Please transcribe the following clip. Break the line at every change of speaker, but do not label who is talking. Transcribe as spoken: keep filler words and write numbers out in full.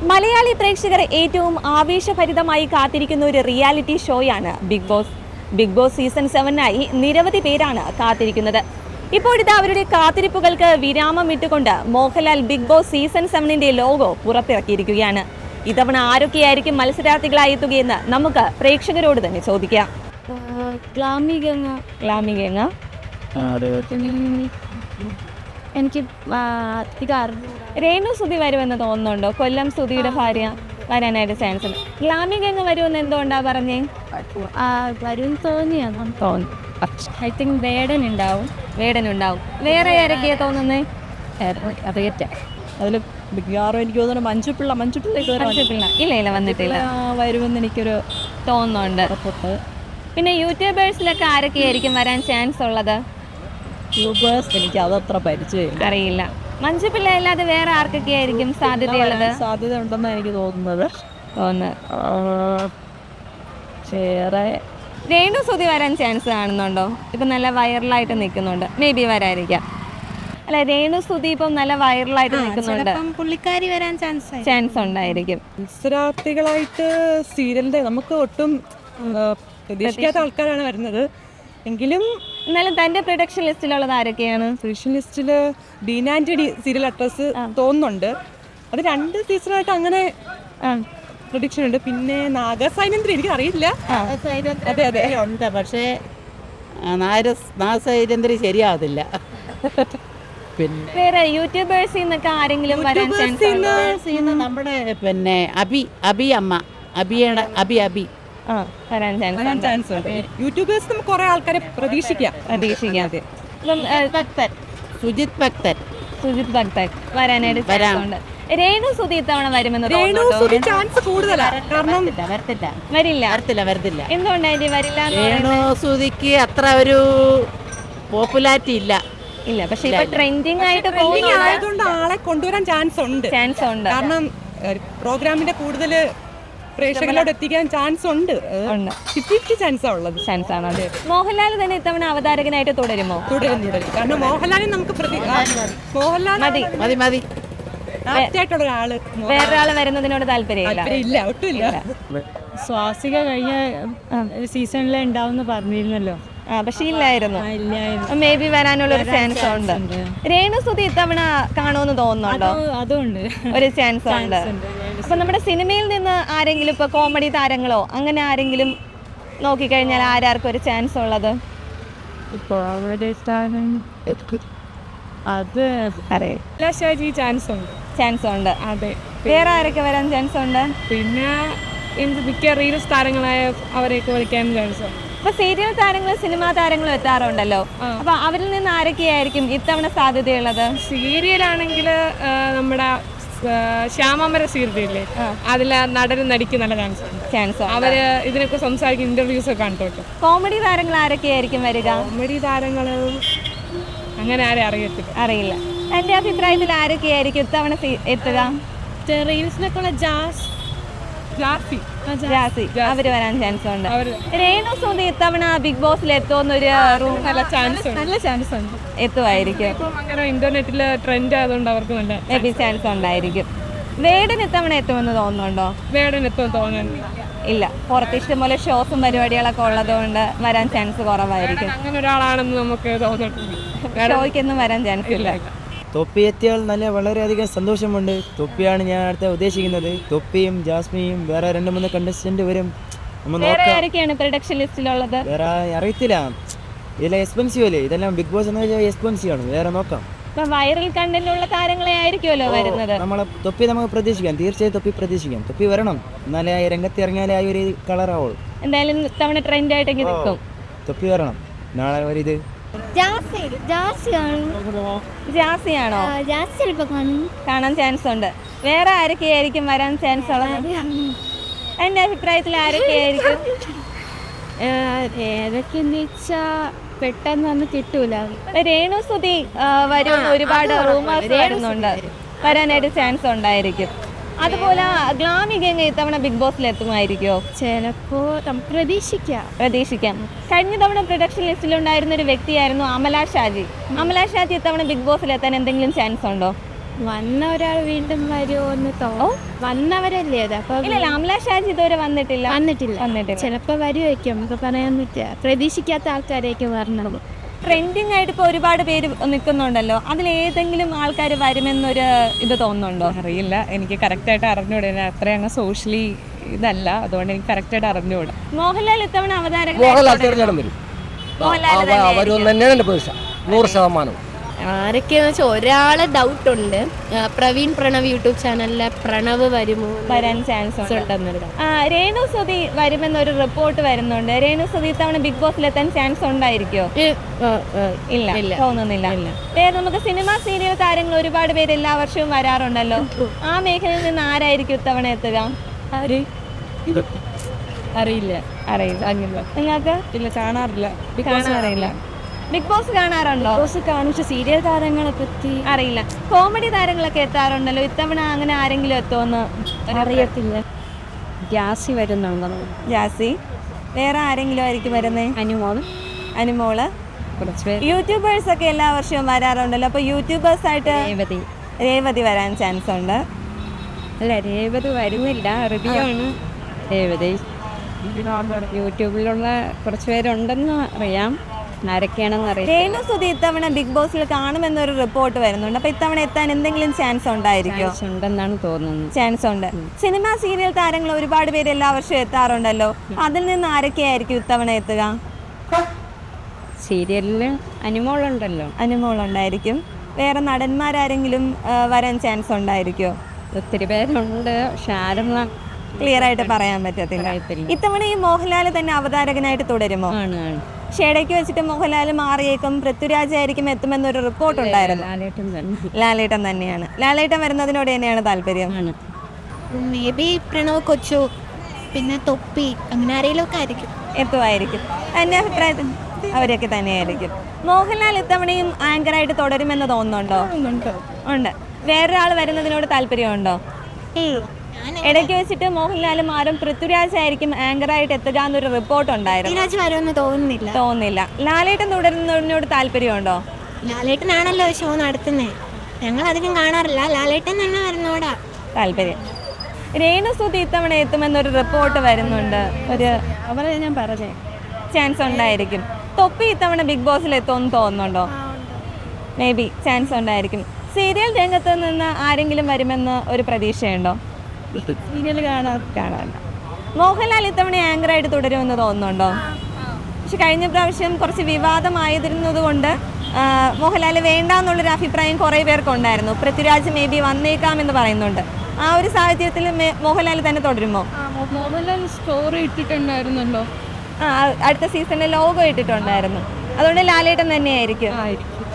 മലയാളി പ്രേക്ഷകർ ഏറ്റവും ആവേശഭരിതമായി കാത്തിരിക്കുന്ന ഒരു റിയാലിറ്റി ഷോയാണ് Big Boss. Big Boss season സെവനായി നിരവധി പേരാണ് കാത്തിരിക്കുന്നത്. ഇപ്പോഴിതാ അവരുടെ കാത്തിരിപ്പുകൾക്ക് വിരാമം ഇട്ടുകൊണ്ട് മോഹൻലാൽ ബിഗ് ബോസ് സീസൺ സെവനിന്റെ ലോഗോ പുറത്തിറക്കിയിരിക്കുകയാണ്. ഇത്തവണ ആരൊക്കെയായിരിക്കും മത്സരാർത്ഥികളായി എത്തുകയെന്ന് നമുക്ക് പ്രേക്ഷകരോട് തന്നെ ചോദിക്കാം.
എനിക്ക് അധികം
രേണു സുധി വരുമെന്ന് തോന്നുന്നുണ്ടോ? കൊല്ലം സുധിയുടെ ഭാര്യ വരാനായിട്ട് ചാൻസ് ഉണ്ട്. ഗ്ലാമിക അങ്ങ് വരുമെന്ന് എന്തുകൊണ്ടാ പറഞ്ഞേ?
വരും തോന്നിയാണ്
തോന്നി.
ഐ തിങ്ക് വേടൻ ഉണ്ടാവും.
വേടൻ ഉണ്ടാവും. വേറെ ആരൊക്കെയാ തോന്നുന്നേ?
അറിയട്ടെ.
അതിൽ മിക്കവാറും എനിക്ക് തോന്നുന്നു മഞ്ജുപിള്ള മഞ്ജുപിള്ള
മഞ്ജുപിള്ള ഇല്ല ഇല്ല വന്നിട്ടില്ല.
വരുമെന്ന് എനിക്കൊരു
തോന്നുന്നുണ്ട്.
ഉറപ്പുണ്ട്.
പിന്നെ യൂട്യൂബേഴ്സിലൊക്കെ ആരൊക്കെയായിരിക്കും വരാൻ ചാൻസ് ഉള്ളത്?
യൂട്യൂബേഴ്സ് എനിക്ക് അതത്ര പരിചയമില്ല,
അറിയില്ല. മഞ്ജുപിള്ള അല്ലാതെ വേറെ ആർക്കൊക്കെയായിരിക്കും സാധ്യതയുള്ളത്?
സാധ്യത ഉണ്ടെന്നാണ് എനിക്ക് തോന്നുന്നത്.
തോന്നുന്നത്
വേറെ
രേണു സുധി വരാൻ ചാൻസ് കാണുന്നുണ്ടോ? ഇപ്പം നല്ല വൈറലായിട്ട് നിൽക്കുന്നുണ്ട്. മേ ബി വരാതിരിക്കാം. അല്ല, രേണു സുധി ഇപ്പം നല്ല വൈറലായിട്ട് നിൽക്കുന്നുണ്ട്.
പുള്ളിക്കാരി വരാൻ ചാൻസ്
ചാൻസ് ഉണ്ടായിരിക്കും.
മത്സരാർത്ഥികളായിട്ട് സീരിയലിന്റെ നമുക്ക് ഒട്ടും പ്രതീക്ഷിക്കാത്ത ആൾക്കാരാണ് വരുന്നത്. എങ്കിലും
എന്നാലും തൻ്റെ പ്രൊഡക്ഷൻ ലിസ്റ്റിലുള്ളത് ആരൊക്കെയാണ്?
പ്രൊഡക്ഷൻ ലിസ്റ്റില് ഡീൻ ആന്റണി സീരിയൽ അക്ട്രസ് തോന്നുന്നുണ്ട്. അത് രണ്ട് സീസണായിട്ട് അങ്ങനെ പ്രൊഡിക്ഷൻ ഉണ്ട്. പിന്നെ നാഗസൈനന്ദ്രി എനിക്ക് അറിയില്ല.
അതെ അതെ ഉണ്ട്, പക്ഷേ നാഗസൈനന്ദ്രി ശരിയാവത്തില്ല. പിന്നെ
വേറെ യൂട്യൂബേഴ്സിൽ നിന്നൊക്കെ ആരെങ്കിലും വരാൻ ചാൻസ് ഉണ്ടോ?
നമ്മുടെ പിന്നെ അബി അബി അമ്മ അബിയുടെ അബി അബി
ആ വരാൻ ചാൻസ്
ചാൻസ് ഉണ്ട്. യൂട്യൂബേഴ്സ് നമുക്ക് കുറെ ആൾക്കാരെ പ്രതീക്ഷിക്കാം
പ്രതീക്ഷിക്കാം ഇപ്പം
ഭക്തൻ സുജിത് ഭക്തൻ
സുജിത് ഭക്തൻ വരാനായിട്ട് ചാൻസ് ഉണ്ട്. രേണു സുധി ഇത്തവണ വരുമെന്ന്
രേണു ചാൻസ് കൂടുതലാണ്. കാരണം
വരത്തില്ല
വരില്ല
വരത്തില്ല വരത്തില്ല
എന്തുകൊണ്ടായി വരില്ല?
രേണു സുധിക്ക് അത്ര ഒരു പോപ്പുലാരിറ്റി ഇല്ല
ഇല്ല പക്ഷെ ഇപ്പൊ ട്രെൻഡിങ് ആയിട്ട്
ആയതുകൊണ്ട് ആളെ കൊണ്ടുവരാൻ ചാൻസ് ഉണ്ട്.
ചാൻസ് ഉണ്ട്.
കാരണം പ്രോഗ്രാമിന്റെ കൂടുതൽ പ്രേക്ഷകരോട് എത്തിക്കാൻ ചാൻസ് ഉണ്ട്. ഫിഫ്റ്റി ചാൻസാ ഉള്ളത്.
ചാൻസ് ആണ്. അതെ. മോഹൻലാൽ തന്നെ ഇത്തവണ അവതാരകനായിട്ട് തുടരുമോ?
തുടരും തുടരും. കാരണം മോഹൻലാലിനെ നമുക്ക് മോഹൻലാൽ
മതി
മതി മതി
ആപ്റ്റായിട്ടുള്ള ഒരാള്.
വേറൊരാള് വരുന്നതിനോട് താല്പര്യമില്ല.
ഇല്ല, ഒട്ടുമില്ല.
സ്വാസിക കഴിഞ്ഞ സീസണിൽ ഉണ്ടാവും പറഞ്ഞിരുന്നല്ലോ.
ആ പക്ഷെ ഇല്ലായിരുന്നു. മേ ബി വരാനുള്ള ഒരു ചാൻസ് ഉണ്ട്. രേണു സുധി ഇത്തവണ കാണുമെന്ന് തോന്നുന്നുണ്ടോ?
അതുകൊണ്ട്
ഒരു ചാൻസ് ഉണ്ട്. അപ്പൊ നമ്മുടെ സിനിമയിൽ നിന്ന് ആരെങ്കിലും ഇപ്പൊ കോമഡി താരങ്ങളോ അങ്ങനെ ആരെങ്കിലും നോക്കിക്കഴിഞ്ഞാൽ ആരാർക്കും ഒരു ചാൻസ് ഉള്ളത്?
അത്
അറിയാം.
ചാൻസ് ഉണ്ട്.
ചാൻസ് ഉണ്ട്.
അതെ.
വേറെ ആരൊക്കെ വരാൻ ചാൻസ് ഉണ്ട്?
പിന്നെ മിക്ക റീൽസ് താരങ്ങളായ അവരെയൊക്കെ വിളിക്കാൻ ചാൻസ് ഉണ്ട്.
ഇപ്പൊ സീരിയൽ താരങ്ങളും സിനിമാ താരങ്ങളും എത്താറുണ്ടല്ലോ. അപ്പൊ അവരിൽ നിന്ന് ആരൊക്കെയായിരിക്കും ഇത്തവണ സാധ്യതയുള്ളത്?
സീരിയലാണെങ്കിൽ നമ്മുടെ ശ്യാമാമര സീരിയലില്ലേ, അതിലെ നടനും നടിക്കും നല്ല ചാൻസ് ഉണ്ട്.
ചാൻസ്
അവര് ഇതിനൊക്കെ സംസാരിക്കും, ഇന്റർവ്യൂസ് ഒക്കെ കണ്ടോട്ടും.
കോമഡി താരങ്ങൾ ആരൊക്കെയായിരിക്കും വരിക?
കോമഡി താരങ്ങളും അങ്ങനെ ആരും അറിയത്തില്ല.
അറിയില്ല. എന്റെ അഭിപ്രായത്തിൽ ആരൊക്കെയായിരിക്കും ഇത്തവണ എത്തുക?
റീൽസിനൊക്കെ ഉള്ള ജാസ് ജാസി
ജാസി അവര് വരാൻ ചാൻസ് ഉണ്ട്. രേണു സുധി ഇത്തവണ ബിഗ് ബോസിൽ എത്തുമെന്നൊരു
നല്ല ചാൻസ് നല്ല ചാൻസ് ഉണ്ട്.
എത്തുമായിരിക്കും.
അങ്ങനെ ഇന്റർനെറ്റില് ട്രെൻഡ് ആയതുകൊണ്ട് അവർക്ക് നല്ല
മേ ബി ചാൻസ് ഉണ്ടായിരിക്കും. വേടൻ ഇത്തവണ എത്തുമെന്ന് തോന്നുന്നുണ്ടോ?
വേടൻ എത്തുമെന്ന് തോന്നുന്നില്ല.
ഇല്ല, പുറത്ത് ഇഷ്ടംപോലെ ഷോസും പരിപാടികളൊക്കെ ഉള്ളതുകൊണ്ട് വരാൻ ചാൻസ് കുറവായിരിക്കും.
അങ്ങനെ ഒരാളാണെന്ന് നമുക്ക് തോന്നിയിട്ടില്ല.
ഷോയ്ക്കൊന്നും വരാൻ ചാൻസ് ഇല്ല.
തൊപ്പി എത്തിയാൽ നല്ല വളരെയധികം സന്തോഷമുണ്ട്. തൊപ്പിയാണ് ഞാൻ അടുത്ത ഉദ്ദേശിക്കുന്നത്. തൊപ്പിയും ജാസ്മിയും വേറെ രണ്ട് മൂന്ന് കണ്ടസ്റ്റന്റ് വരും.
വേറെ ആരൊക്കെയാണ് പ്രൊഡക്ഷൻ ലിസ്റ്റിലുള്ളത്?
വേറെ അറിയത്തില്ല. ഇതെല്ലാം എക്സ്പെൻസീവ് അല്ലേ? ഇതെല്ലാം ബിഗ് ബോസ് എന്ന് വെച്ചാൽ എക്സ്പെൻസീവ് ആണ്. വേറെ നോക്കാം.
ഇപ്പൊ വൈറൽ കണ്ടന്റുള്ള താരങ്ങളെ ആയിരിക്കുമല്ലോ വരുന്നത്.
നമ്മളെ തൊപ്പി നമുക്ക് പ്രതീക്ഷിക്കാം. തീർച്ചയായും തൊപ്പി പ്രതീക്ഷിക്കാം. തൊപ്പി വരണം, എന്നാലേ ആ രംഗത്ത് ഇറങ്ങിയാലേ ആ ഒരു കളറാവുള്ളൂ.
എന്തായാലും തവണ ട്രെൻഡ് ആയിട്ടെങ്കിൽ നിൽക്കും.
തൊപ്പി വരണം. നാളെ ഒരിത്
ജാസിയാണോ? കാണാൻ ചാൻസ് ഉണ്ട്. വേറെ ആരൊക്കെയായിരിക്കും വരാൻ ചാൻസ് ഉള്ളത്? എന്റെ അഭിപ്രായത്തിൽ ആരൊക്കെയായിരിക്കും?
ഏതൊക്കെയെന്ന് വെച്ചാ പെട്ടെന്നൊന്നും കിട്ടൂല.
രേണു സുധി വരും, ഒരുപാട് റൂമേഴ്സ് വരുന്നുണ്ട്. വരാനായിട്ട് ചാൻസ് ഉണ്ടായിരിക്കും. അതുപോലെ ഗ്ലാമിക ഇത്തവണ ബിഗ് ബോസിൽ എത്തുമായിരിക്കുമോ?
ചിലപ്പോ നമുക്ക് പ്രതീക്ഷിക്കാം
പ്രതീക്ഷിക്കാം കഴിഞ്ഞ തവണ പ്രൊഡക്ഷൻ ലിസ്റ്റിലുണ്ടായിരുന്ന ഒരു വ്യക്തിയായിരുന്നു അമല ഷാജി. അമല ഷാജി ഇത്തവണ ബിഗ് ബോസിൽ എത്താൻ എന്തെങ്കിലും ചാൻസ് ഉണ്ടോ?
വന്ന ഒരാൾ വീണ്ടും വരുമോ എന്ന് തോന്നും. വന്നവരല്ലേ അത്, അപ്പൊ
ഇല്ല അമല ഷാജി ഇതുവരെ വന്നിട്ടില്ല
വന്നിട്ടില്ല
വന്നിട്ടില്ല
ചിലപ്പോൾ വരുമായിരിക്കും, നമുക്ക് പറയാൻ പറ്റില്ല. പ്രതീക്ഷിക്കാത്ത ആൾക്കാരേക്ക് വരണത്.
ട്രെൻഡിങ് ആയിട്ട് ഇപ്പോൾ ഒരുപാട് പേര് നിൽക്കുന്നുണ്ടല്ലോ, അതിൽ ഏതെങ്കിലും ആൾക്കാർ വരുമെന്നൊരു ഇത് തോന്നുന്നുണ്ടോ?
അറിയില്ല, എനിക്ക് കറക്റ്റായിട്ട് അറിഞ്ഞൂടെ, അത്രയും അങ്ങ് സോഷ്യലി ഇതല്ല, അതുകൊണ്ട് എനിക്ക് കറക്റ്റായിട്ട് അറിഞ്ഞൂടാ.
മോഹൻലാൽ ഇത്തവണ അവതാരകൻ
മോഹൻലാൽ തീർച്ചയായിട്ടും വരും.
മോഹൻലാൽ തന്നെയായിരിക്കും.
അവരും തന്നെയാണ് എൻ്റെ പ്രതീക്ഷ, നൂറ് ശതമാനം.
ആരൊക്കെയെന്ന് വെച്ചാൽ ഒരാളെ ഡൗട്ട് ഉണ്ട്, പ്രവീൺ പ്രണവ് യൂട്യൂബ് ചാനലിലെ പ്രണവ് വരുമോ
വരാൻ ചാൻസ് ഉണ്ട്.
ഉണ്ടെന്നൊരു
ആ, രേണു സുധി വരുമെന്നൊരു റിപ്പോർട്ട് വരുന്നുണ്ട്. രേണു സുധി ഇത്തവണ ബിഗ് ബോസിലെത്താൻ ചാൻസ് ഉണ്ടായിരിക്കോ? ഇല്ല, തോന്നുന്നില്ല. വേറെ നമുക്ക് സിനിമ സീരിയൽ താരങ്ങൾ ഒരുപാട് പേര് എല്ലാ വർഷവും വരാറുണ്ടല്ലോ, ആ മേഖലയിൽ നിന്ന് ആരായിരിക്കും ഇത്തവണ എത്തുക?
അറിയില്ല
അറിയില്ല. നിങ്ങൾക്ക്
ഇല്ല, കാണാറില്ല.
കാണാറില്ല. ബിഗ് ബോസ് കാണാറുണ്ടോ?
ബോസ് കാണും, പക്ഷെ സീരിയൽ താരങ്ങളെ പറ്റി
അറിയില്ല. കോമഡി താരങ്ങളൊക്കെ എത്താറുണ്ടല്ലോ, ഇത്തവണ അങ്ങനെ ആരെങ്കിലും എത്തുമെന്ന്
അറിയത്തില്ല. ഗ്യാസി വരുന്നുണ്ടോ?
ജാസി. വേറെ ആരെങ്കിലും ആയിരിക്കും വരുന്നേ?
അനുമോൾ.
അനുമോള്.
കുറച്ച് പേര്.
യൂട്യൂബേഴ്സ് ഒക്കെ എല്ലാ വർഷവും വരാറുണ്ടല്ലോ, അപ്പൊ യൂട്യൂബേഴ്സ് ആയിട്ട്
രേവതി.
രേവതി വരാൻ ചാൻസ് ഉണ്ട്.
അല്ല, രേവതി വരുന്നില്ല, റിവ്യൂ ആണ് രേവതി. യൂട്യൂബിലുള്ള കുറച്ച് പേരുണ്ടെന്ന് അറിയാം, ആരൊക്കെയാണെന്ന് അറിയാം.
രേണു സുധി ഇത്തവണ ബിഗ് ബോസിൽ കാണുമെന്നൊരു റിപ്പോർട്ട് വരുന്നുണ്ട്, അപ്പൊ ഇത്തവണ എത്താൻ എന്തെങ്കിലും ചാൻസ് ഉണ്ടായിരിക്കോ?
ഉണ്ടെന്നാണ് തോന്നുന്നത്.
ചാൻസ് ഉണ്ട്. സിനിമ സീരിയൽ താരങ്ങൾ ഒരുപാട് പേര് എല്ലാ വർഷവും എത്താറുണ്ടല്ലോ, അതിൽ നിന്ന് ആരൊക്കെയായിരിക്കും ഇത്തവണ എത്തുക?
സീരിയലിൽ അനുമോളുണ്ടല്ലോ.
അനുമോളുണ്ടായിരിക്കും. വേറെ നടന്മാരാരെങ്കിലും ആ, വരാൻ ചാൻസ് ഉണ്ടായിരിക്കോ?
ഒത്തിരി പേരുണ്ട്, പക്ഷെ ആരെന്ന്
ക്ലിയർ ആയിട്ട് പറയാൻ പറ്റത്തില്ല. ഇത്തവണ ഈ മോഹൻലാൽ തന്നെ അവതാരകനായിട്ട് തുടരുമോ?
ആണ് ആണ്
ഷേടയ്ക്ക് വെച്ചിട്ട് മോഹൻലാൽ മാറിയേക്കും, പൃഥ്വിരാജ് ആയിരിക്കും എത്തുമെന്നൊരു റിപ്പോർട്ട് ഉണ്ടായിരുന്നു.
ലാലേട്ടൻ തന്നെ
ലാലേട്ടൻ തന്നെയാണ്. ലാലേട്ടൻ വരുന്നതിനോട് തന്നെയാണ് താല്പര്യം.
ആണ്.
മേ ബി പ്രണവ് കൊച്ചു, പിന്നെ തൊപ്പി, അങ്ങനെ ആരെങ്കിലും ഒക്കെ ആയിരിക്കും.
എത്തുമായിരിക്കും. എൻ്റെ അഭിപ്രായത്തിൽ അവരൊക്കെ തന്നെയായിരിക്കും. മോഹൻലാൽ ഇത്തവണയും ആങ്കറായിട്ട് തുടരുമെന്ന് തോന്നുന്നുണ്ടോ? ഉണ്ട്. വേറൊരാൾ വരുന്നതിനോട് താല്പര്യമുണ്ടോ? ഇടയ്ക്ക് വെച്ചിട്ട് മോഹൻലാലും ആരും പൃഥ്വിരാജ് ആയിരിക്കും ആങ്കറായിട്ട് എത്തുക എന്നൊരു റിപ്പോർട്ട് ഉണ്ടായിരുന്നു.
പൃഥ്വിരാജ് വരുമെന്ന് തോന്നുന്നില്ല.
തോന്നുന്നില്ല. ലാലേട്ടൻ തുടരുന്നതിനോട് താല്പര്യമുണ്ടോ?
ലാലേട്ടനാണല്ലോ ഷോ നടത്തുന്നത്, ഞങ്ങൾ അധികം കാണാറില്ല. ലാലേട്ടൻ തന്നെ വരുന്നോടാ
താല്പര്യം. രേണു സുധി ഇത്തവണ എത്തുമെന്നൊരു റിപ്പോർട്ട് വരുന്നുണ്ട്, ഒരു
അവരെ ഞാൻ പറഞ്ഞേ
ചാൻസ് ഉണ്ടായിരിക്കും. തൊപ്പി ഇത്തവണ ബിഗ് ബോസിൽ എത്തുമെന്ന് തോന്നുന്നുണ്ടോ? മേ ബി ചാൻസ് ഉണ്ടായിരിക്കും. സീരിയൽ രംഗത്ത് നിന്ന് ആരെങ്കിലും വരുമെന്ന് ഒരു പ്രതീക്ഷയുണ്ടോ?
സീരിയൽ കാണാൻ കാണാറില്ല.
മോഹൻലാൽ ഇത്തവണ ആങ്കറായിട്ട് തുടരുമെന്ന് തോന്നുന്നുണ്ടോ? പക്ഷെ കഴിഞ്ഞ പ്രാവശ്യം കുറച്ച് വിവാദമായിരുന്നത് കൊണ്ട് മോഹൻലാൽ വേണ്ട എന്നുള്ളൊരു അഭിപ്രായം കുറേ പേർക്കുണ്ടായിരുന്നു. പൃഥ്വിരാജ് മേ ബി വന്നേക്കാമെന്ന് പറയുന്നുണ്ട്. ആ ഒരു സാഹചര്യത്തിൽ മോഹൻലാൽ തന്നെ തുടരുമോ?
മോഹൻലാൽ സ്റ്റോറി ഇട്ടിട്ടുണ്ടായിരുന്നല്ലോ.
ആ, അടുത്ത സീസണിൽ ലോഗോ ഇട്ടിട്ടുണ്ടായിരുന്നു, അതുകൊണ്ട് ലാലേട്ടൻ തന്നെയായിരിക്കും.
ആയിരിക്കും.